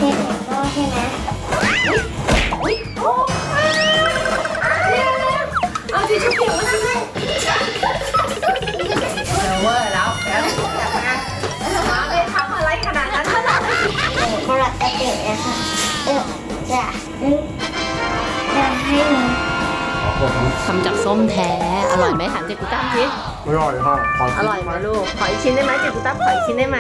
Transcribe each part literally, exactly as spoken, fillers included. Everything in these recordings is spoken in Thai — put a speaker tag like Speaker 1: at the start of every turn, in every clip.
Speaker 1: โม่ใช่ไหมอุ้ยโอ้เร็วเร็วเอาทิชชู่เปียกมาทำให้เวอร์แล้วแล้วมาไปทำอะไรขนาดนั้นขนาดนั้นมาหลับตาเปียกนะคะเออจะจะให้หนูทำจากส้มแท้อร่อยไหมถามเจกุต้าสิ
Speaker 2: อร่อยค่ะขอ
Speaker 1: อร่อยไหมลูกขออีกชิ้นได้ไหมเจกุต้าขออีกชิ้นได้ไหม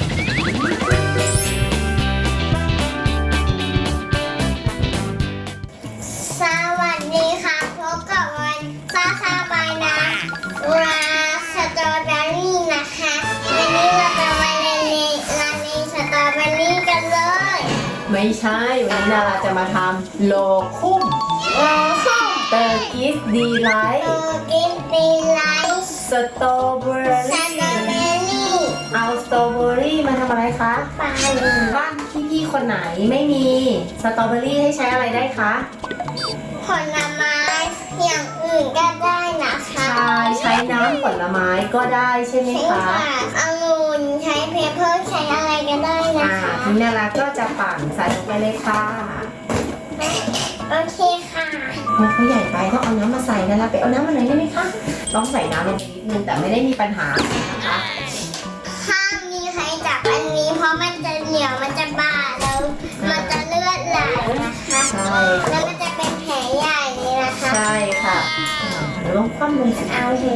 Speaker 3: สวัสดีค่ะพบกับวันซาซาบายนะราสตรอเบอรี่นะคะวันนี้เราจะมาเรียนร้านนี้สตรอเบอรี่กันเลย
Speaker 1: ไม่ใช่วันนี้นาราจะมาทำโลคุ้ม
Speaker 3: โอ้โห
Speaker 1: เตอร์กิสดีไล
Speaker 3: โต
Speaker 1: ท์
Speaker 3: กินปีไลท์
Speaker 1: สตรอเบอ
Speaker 3: ส
Speaker 1: รี่
Speaker 3: ตรอเบอรี่
Speaker 1: เอาสตรอเบอรี่มาทำอะไรคะ
Speaker 3: ปลา
Speaker 1: บ้านพี่ๆคนไหนไม่มีสตรอเบอรี่ให้ใช้อะไรได้คะ
Speaker 3: ผลไม้อย่างอื่นก็ได้นะคะ
Speaker 1: ใช่ใช้น้ำผลไม้ก็ได้ใช่ไหม
Speaker 3: ใช่
Speaker 1: คะ
Speaker 3: ค่ะองุ่นใช้เพเปอร์ใช้อะไรก็ได้นะ
Speaker 1: อ่า
Speaker 3: คะ
Speaker 1: ทีนี้นาราก็จะปั่นใส่ลงไปเลยค่ะ
Speaker 3: โอเคค่ะ
Speaker 1: มันเขาใหญ่ไปต้องเอาน้ำมาใส่นาราไปเอาน้ำมาหน่อยได้ไหมคะต้องใส่น้ำลงไปนิดนึงแต่ไม่ได้มีปัญหานะคะ
Speaker 3: ห้ามมีใครจับอันนี้เพราะมันจะเหนียวมันจะบาดแล้วมันจะเลือดไหลนะคะ
Speaker 1: ใช่
Speaker 3: แล้วมันจะเป็นแผลใหญ่เลยนะคะ
Speaker 1: ใช่ค่ะอ่าเดี๋ยวลองคว่ำลงสิ
Speaker 3: เอาเท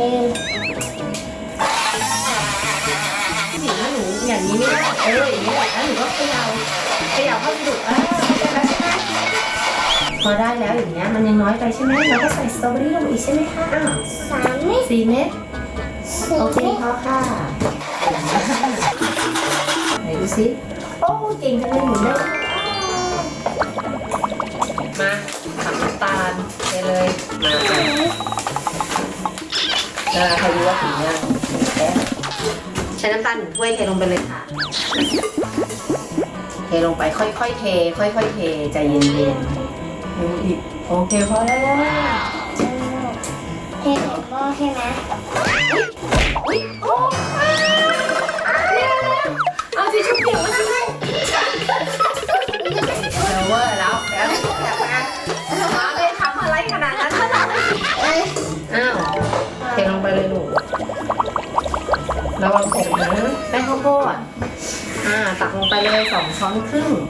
Speaker 1: หนูหนูอย่างนี้ไม่ได้เอออย่างนี้แหละแล้วหนูก็เขย่าเขย่าเข้าไปดูอ่าได้แล้วใช่ไหมพอได้แล้วอย่างเงี้ยมันยังน้อยไปใช่ไหมเราก็ใส่สตรอเบอรี่ลงไปอีกใช่ไหมคะอ้าว
Speaker 3: สามเม็ด
Speaker 1: สี่เม็ด
Speaker 3: สี่
Speaker 1: โอเค
Speaker 3: เม็ด
Speaker 1: พอค่ะไหนดูสิโอ้เก่งจังเลยหมุนได้มาทำน้ำตาลไปเลยมาแล้วใครรู้ว่าถึงยังแป๊บใช้น้ำตาลหนึ่งถ้วยเทลงไปเลยค่ะ เทลงไปค่อยๆเท ค่อยๆเทใจเย็นๆดูอีกโอเคพอแล้ว
Speaker 3: เทใส่หม้อใช่ไหม
Speaker 1: อุ๊ยโอ้เร็วเร็วเอาทิชชู่เปียกมาทำให้เร็วเวอร์แล้วแล้วแบบมามาไปทำอะไรขนาดนั้นขนาดนั้น
Speaker 3: เอ้ย
Speaker 1: อ้าวเทลงไปเลยลูกระวังผมนะแป้งข้าวโพดอ่าตักลงไปเลยสองช้อนครึ่ง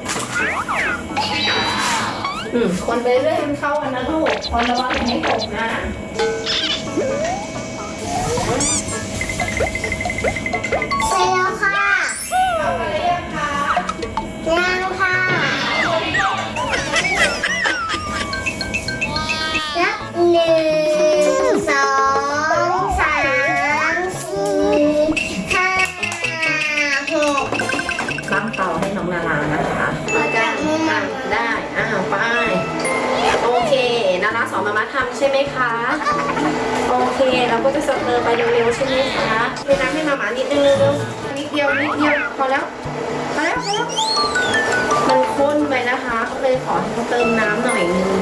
Speaker 1: อืมคนไปเรื่อยมันเข้ากันนะลูกคนระวังอย่าให้ตกนะ
Speaker 3: ใส่แล้วค่ะ
Speaker 1: เข้าไปเรื่อยค่ะ
Speaker 3: ยังค่ะนับหนึ่งสองสามสี่ห้าหก
Speaker 1: ตั้งเตาให้น้องนารานะคะ
Speaker 3: เราจะมุ่ง
Speaker 1: อ่ะ
Speaker 3: มัน
Speaker 1: ได้อ้าวไปโอเคนาราสอนมามาทำใช่ไหมคะโอเคเราก็จะสเตอร์ไปเร็วๆใช่ไหมคะเทน้ำให้มามานิดนึงเร็วๆนิดเดียวนิดเดียวพอแล้วพอแล้วพอแล้วมันข้นไปนะคะก็เลยขอให้เขาเติมน้ำหน่อยนึง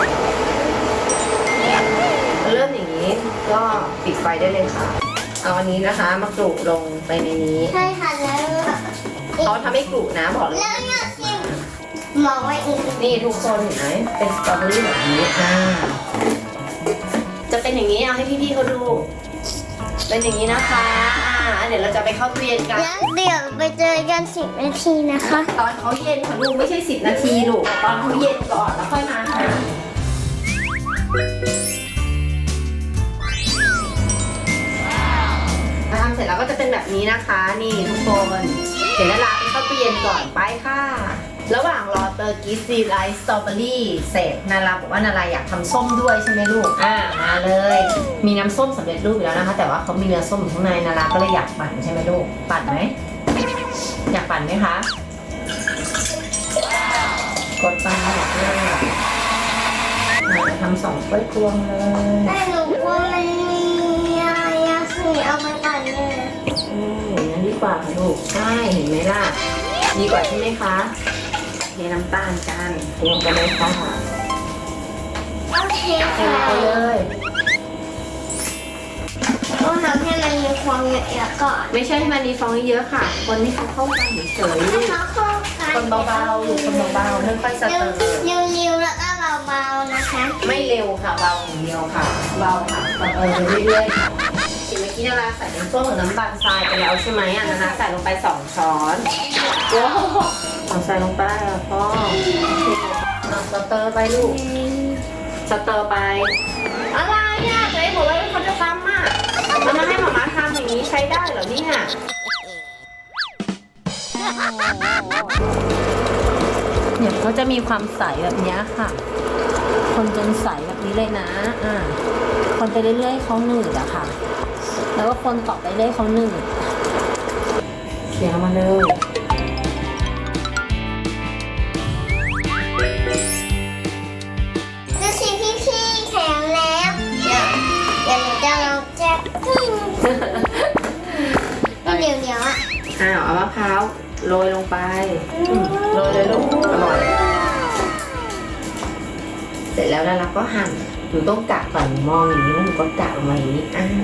Speaker 1: เริ่มอย่างนี้ก็ปิดไฟได้เลยค่ะเอาอันนี้นะคะมากรุลงไปในนี้
Speaker 3: ใช่ค่ะแล้ว
Speaker 1: เขาทำให้กรุนะบอกเลย
Speaker 3: แล้วเนี่ยชิมมองไว้อีก
Speaker 1: นี่ทุกคนเห็นไหมเป็นสตรอเบอรี่แบบนี้อ่าจะเป็นอย่างนี้เอาให้พี่ๆเขาดู เป็นอย่างนี้นะคะอ่าเดี๋ยวเราจะไปเข้าตู้เย็นกัน
Speaker 3: แล้วเดี๋ยวไปเจอกันสิบนาทีนะคะ
Speaker 1: ตอนเขาเย็นค่ะลูกไม่ใช่สิบนาทีลูกตอนเขาเย็นก่อนแล้วค่อยมาค่ะทำเสร็จแล้วก็จะเป็นแบบนี้นะคะ นี่ทุกคนเดี๋ยวนาราไปเข้าตู้เย็นก่อนไปค่ะ ระหว่างรอเตอร์กิสซีไลท์สตรอเบอรี่เสร็จนาราบอกว่านาราอยากทำส้มด้วยใช่ไหมลูกอ่ามาเลย มีน้ำส้มสำเร็จรูปอยู่แล้วนะคะ แต่ว่าเขามีเนื้อส้มอยู่ข้างในนาราก็เลยอยากปั่นใช่ไหมลูกปั่นไหมอยากปั่นไหมคะกดปั่นแบบนี้ทำสองถ้วยตวงเลย
Speaker 3: แต่หนูกลัวมันมีอะไรอะสิเอามาปั่นเลย
Speaker 1: อืมอย่างนั้นดีกว่าค่ะลูกใช่เห็นไหมล่ะดีกว่าใช่ไหมคะเทน้ำตาลกันลงไปเลยค่ะ
Speaker 3: โอเค
Speaker 1: เทล
Speaker 3: ค่ะ
Speaker 1: งไปเลย
Speaker 3: ต้องทำให้มันมีความเยอะๆก่อน
Speaker 1: ไม่ใช่ให้มันมีฟองเยอะๆค่ะ คนให้เขาเข้ากันเฉย
Speaker 3: ให้เขาเข้ากัน
Speaker 1: คนเบาๆลูกคนเบาๆค่อยๆสเตอร์
Speaker 3: เร็วๆแล้วก็เบาๆนะคะ
Speaker 1: ไม่เร็วค่ะเบาอย่างเดียวค่ะเบาค่ะสเตอร์ไปเรื่อยๆค่ะเห็นเมื่อกี้นาราใส่น้ำส้มกับน้ำตาลทรายไปแล้วใช่ไหมอ่ะนาราใส่ลงไปสองช้อนว้าวเอาใส่ลงไปอ่ะพ่อเอาสเตอร์ไปลูกสเตอร์ไปอะไรอ่ะตัวเองบอกว่าเขาจะทำอ่ะแล้วมาให้หมาม่าทำอย่างนี้ใช้ได้เหรอเนี่ยเนี่ยเขาจะมีความใสแบบนี้ค่ะ คนจนใสแบบนี้เลยนะอ่าคนไปเรื่อยๆเขาหนืดอะค่ะ แล้วก็คนต่อไปเรื่อยเขาหนืดเขียนมาเลย
Speaker 3: ดูสิพี่ๆแข็งแล้วเดี๋ยวเดี๋ยวหนูจะลองแจ๊บไม่เดี๋ยวเดี๋ยวอ่ะ
Speaker 1: อ้าวเอามะพร้าวโรยลงไปโรยเลยลูกอร่อยเสร็จแล้วแล้วเราก็หั่นหนูต้องกะก่อนมองอย่างนี้แล้วหนูก็กะลงมาอย่างนี้อ่า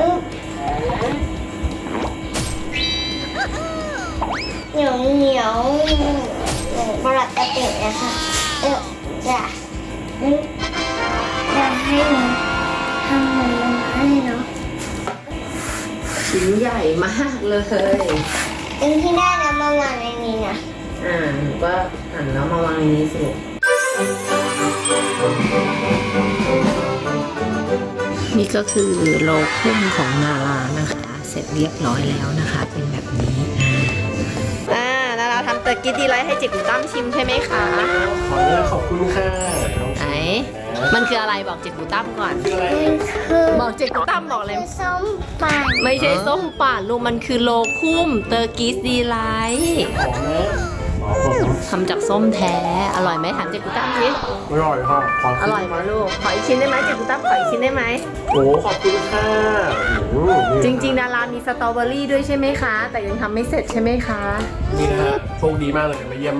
Speaker 3: เหนียวเหนียวปลาตะเตะนะคะเออจะจะให้หนูทำมันลงให้เนาะ
Speaker 1: ชิ้นใหญ่มากเลย
Speaker 3: ตึงที่ได้แล้วมาวางในนี้นะ
Speaker 1: อ่าหนูก็หั่นแล้วมาวางในนี้สิลูกนี่ก็คือโลคุ้มของนารานะคะ เสร็จเรียบร้อยแล้วนะคะ เป็นแบบนี้อ่านาราทำเตอร์กิดีไลท์ให้จิ๋วตั้มชิมใช่ไหมคะ
Speaker 2: ขออนุญาตขอบคุณค่ะน้อง
Speaker 1: ไหนมันคืออะไรบอกจิ๋วตั้มก่อน
Speaker 2: คืออะไร
Speaker 3: มันคือ
Speaker 1: บอกจิ๋วตั้มบอกเลย
Speaker 3: ส้มปั่น
Speaker 1: ไม่ใช่ส้มป่านลูกมันคือโลคุ้มเตอร์กิดีไลท์
Speaker 2: ของนะอ๋อผม
Speaker 1: ทำจากส้มแท้ อร่อยไหมถามจิ๋วตั้มสิ
Speaker 2: อร่อยค่ะขอ
Speaker 1: อร่อยไหมลูกขออีกชิ้นได้ไหมจิ๋วตั้มขออีกชิ้นได้ไหม
Speaker 2: โอ้ขอบคุณค่ะอืมนี่
Speaker 1: จริงๆนารามีสตรอเบอรี่ด้วยใช่ไหมคะ แต่ยังทำไม่เสร็จใช่ไหมคะ
Speaker 2: นี่นะฮะโชคดีมากเลยมาเยี่ยมแม่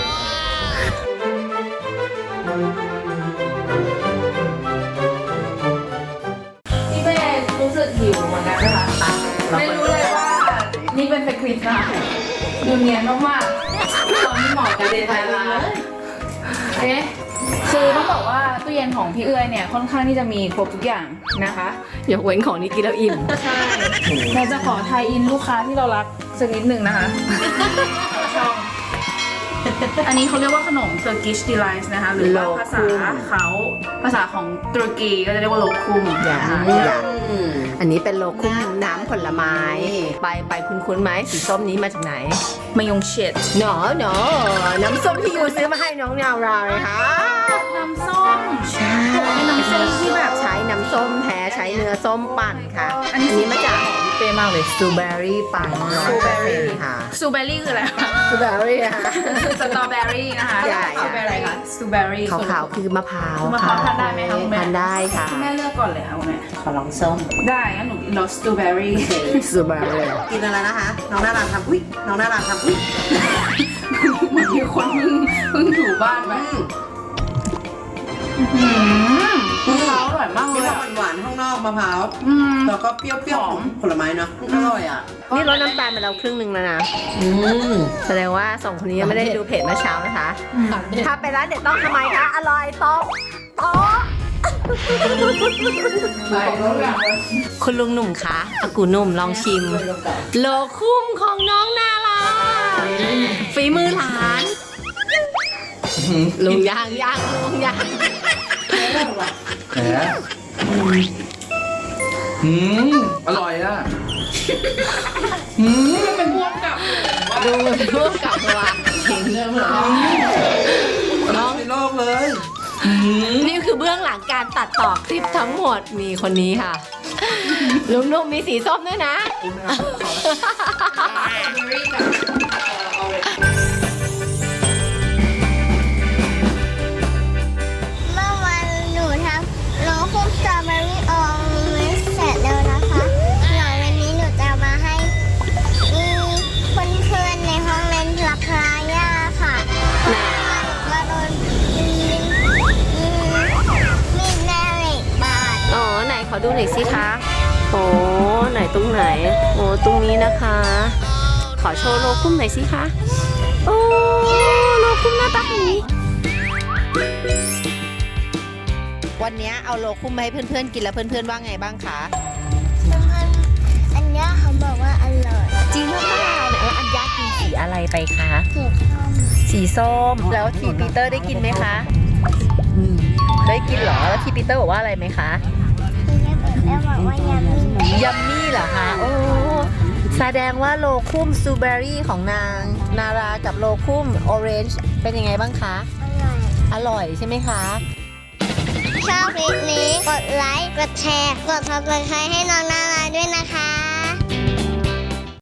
Speaker 4: พี่เมย์รู้สึกหิวเหมือนกันนะคะไม่รู้เลยว่านี่เป็นสคริปต์ค่ะดูเนียนมากๆตอนนี้เหมาะกับเดทไทยร้านเอ๊ะคือต้องบอกว่าตู้เย็นของพี่เอื้อยเนี่ยค่อนข้างที่จะมีครบทุกอย่างนะคะ
Speaker 1: ยกเว้นของนี้กินแล้วอิ่ม
Speaker 4: ใช่เราจะขอไทยอินลูกค้าที่เรารักสักนิดหนึ่งนะคะช่องอันนี้เขาเรียกว่าขนม Turkish Delight นะคะ หรือว่าภาษาเขาภาษาของตุรกีก็จะเรียกว่าโลคุม
Speaker 1: อย่า
Speaker 4: นะคะ
Speaker 1: อย่าอันนี้เป็นโลคุ้มน้ำผลไม้ ไปไปคุ้นๆไหมสีส้มนี้มาจากไหน
Speaker 4: มายงเชด
Speaker 1: หนอหนอน้ำส้มที่ยูซื้อมาให้น้องนาวราเลยค่ะ
Speaker 4: น้ำส้ม
Speaker 1: ใช่
Speaker 4: เป็นน้ำส้มที่แบบ
Speaker 1: ใช้น้ำส้มแท้ใช้เนื้อส้มปั่นค่ะ
Speaker 4: อันนี้
Speaker 1: อันนี้มาจากของพี่เป้มากเลยสตรอเบอรี่ปั่น
Speaker 4: สตรอเบอรี่
Speaker 1: ค่ะ
Speaker 4: สตรอเบอรี่คืออะไรคะ
Speaker 1: สตรอเบอรี่ค่ะ
Speaker 4: สตรอเบอรี่นะคะ
Speaker 1: ใช่
Speaker 4: สตรอเบอรี่คะสตรอเบอรี่
Speaker 1: ขาวๆคือมะพร้าว
Speaker 4: มะพร้าวทานได้ไหมคะคุณแม่
Speaker 1: ทานได้ค่ะ
Speaker 4: คุณแม่เลือกก่อนเลยค่ะคุณแม่
Speaker 1: ขอลองส้ม
Speaker 4: ได้งั้นหนูกินรสสตรอเบอรี่
Speaker 1: สตรอเบอรี่
Speaker 5: กินอะไรนะคะ น้องน่ารักทำอุ้ยน้องน่ารักทำอุ้ย
Speaker 4: เหมือนมีคนเพิ่งเพิ่งถูบ้านไป
Speaker 5: อืม
Speaker 4: มะพร้าวอร่อยมากเล
Speaker 5: มี
Speaker 4: ย
Speaker 5: ควา
Speaker 4: อะ
Speaker 5: มหวานๆข้างนอกมะพร้าว
Speaker 4: อืม
Speaker 5: แล้วก็เปรี้ยวๆของผลไม้เนาะอร่อยอ่ะ
Speaker 1: นี่ลดน้ำตาลไปแล้วครึ่งหนึ่งแล้วนะ
Speaker 5: อืม
Speaker 1: แสดงว่าสองคนนี้ยังไม่ได้ดูเพจเมื่อเช้านะคะ ถ้าไปร้านเด็ดต้องทำไมคะ อร่อยโต๊ะโต๊ะ
Speaker 4: ไปแล้วอย่างเลย
Speaker 1: คุณลุงหนุ่มคะอากูหนุ่มลองชิม โลคุ้มของน้องนาลาฝีมือหลานลุงย่างย่างลุงย่าง
Speaker 2: แหมอืมอร่อยอ่ะอืม
Speaker 4: เป็นพวกกับ
Speaker 1: ดูร่วมกับตัวจริง
Speaker 5: น้องในโลกเลย
Speaker 1: นี่คือเบื้องหลังการตัดต่อคลิปทั้งหมดมีคนนี้ค่ะ ลุงนุ่มมีสีส้มด้วยนะ
Speaker 3: เมื่อวันหนูทำโลคุมสตรอเบอรี่ออมไม่เสร็จแล้วนะคะเดี๋ยววันนี้หนูจะมาให้มีเพื่อนๆในห้องเล่นราคาย่าค่ะมาโดนมีมีแม่เหล็กบาด
Speaker 1: อ๋อไหนขอดูหน่อยสิคะโอ้ไหนตรงไหนโอ้ตรงนี้นะคะ ขอโชว์โลคุ้มหน่อยสิคะโอ้วันนี้เอาโลคุมไปให้เพื่อนๆกินแล้วเพื่อนๆว่าไงบ้างคะ
Speaker 3: เพื่อนๆอันนี้เขาบอกว่าอร่อย
Speaker 1: จริงหรือเปล่าไหนว่าอัญญากินสีอะไรไปคะ
Speaker 3: เผ็ดส้ม
Speaker 1: สีส้มแล้วทีปีเตอร์ได้กินไหมคะได้กินเหรอแล้วทีปีเตอร์บอกว่าอะไรไหมคะ
Speaker 3: ที่แม่เปิดแล้วบอกว่ายำมี
Speaker 1: ยัมมี่เหรอคะโอ้แสดงว่าโลคุมสตรอเบอรี่ของนางนารากับโลคุมออเรนจ์เป็นยังไงบ้างคะ
Speaker 3: อร่อย
Speaker 1: อร่อยใช่ไหมคะ
Speaker 3: ชอบคลิปนี้กดไลค์ กดแชร์ กดซับสไครต์ให้น้องนาราด้วยนะคะ